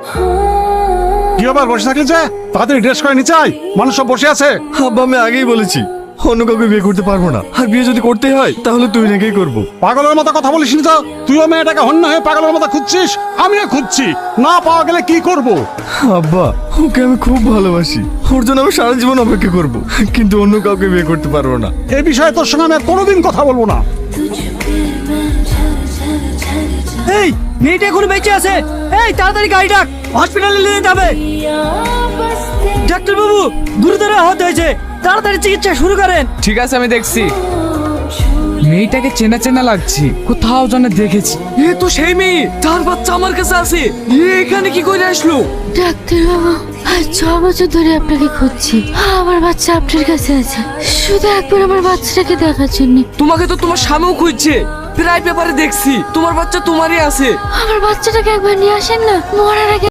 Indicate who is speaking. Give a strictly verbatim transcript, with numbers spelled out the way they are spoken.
Speaker 1: কি আবার বসে থাকলে যে তাড়াতাড়ি ড্রেস করে নিচে আয়, মানুষ সব বসে আছে।
Speaker 2: আব্বা আমি আগেই বলেছি অন্য কাউকে বিয়ে করতে পারবো না, আর বিয়ে যদি করতেই হয় তাহলে তুই নাকেই করবো।
Speaker 1: পাগলের মতো কথা বলিস না তো, তুইও মেয়েটাকে হন্য হয়ে পাগলের মতো খুঁজছিস, আমিও খুঁজছি, না পাওয়া গেলে কি করব?
Speaker 2: আব্বা ওকে আমি খুব ভালোবাসি, ওর জন্য আমি সারা জীবন অপেক্ষা করব, কিন্তু অন্য কাউকে বিয়ে করতে পারবো না।
Speaker 1: এই বিষয়ে তোর সঙ্গে আমি আর কোনোদিন কথা বলবো না।
Speaker 3: এই মেয়েটা এখন বেঁচে আছে, এই তাড়াতাড়ি গাড়ি ডাক, হসপিটালে নিয়ে যেতে হবে। ডাক্তার বাবু গুরুতর আহত হয়েছে, তাড়াতাড়ি চিকিৎসা শুরু করেন।
Speaker 4: ঠিক আছে আমি দেখছি। মেয়েটাকে চেনা চেনা লাগছে, কোথাও যেন দেখেছি। এ তো সেই মেয়ে, তার বাচ্চা আমার কাছে আছে। এ এখানে কি করে আসলো?
Speaker 5: ডাক্তার বাবু আজ ছ বছর ধরে আপনাকে খুঁজছি, আমার বাচ্চা আপনার কাছে আছে, শুধু একবার আমার বাচ্চাটাকে দেখার জন্য।
Speaker 4: তোমাকে তো তোমার স্বামীও খুঁজছে, প্রায় পেপারে দেখছি তোমার বাচ্চা তোমারই আছে।
Speaker 5: আমার বাচ্চাটাকে একবার নিয়ে আসেন না, মরার আগে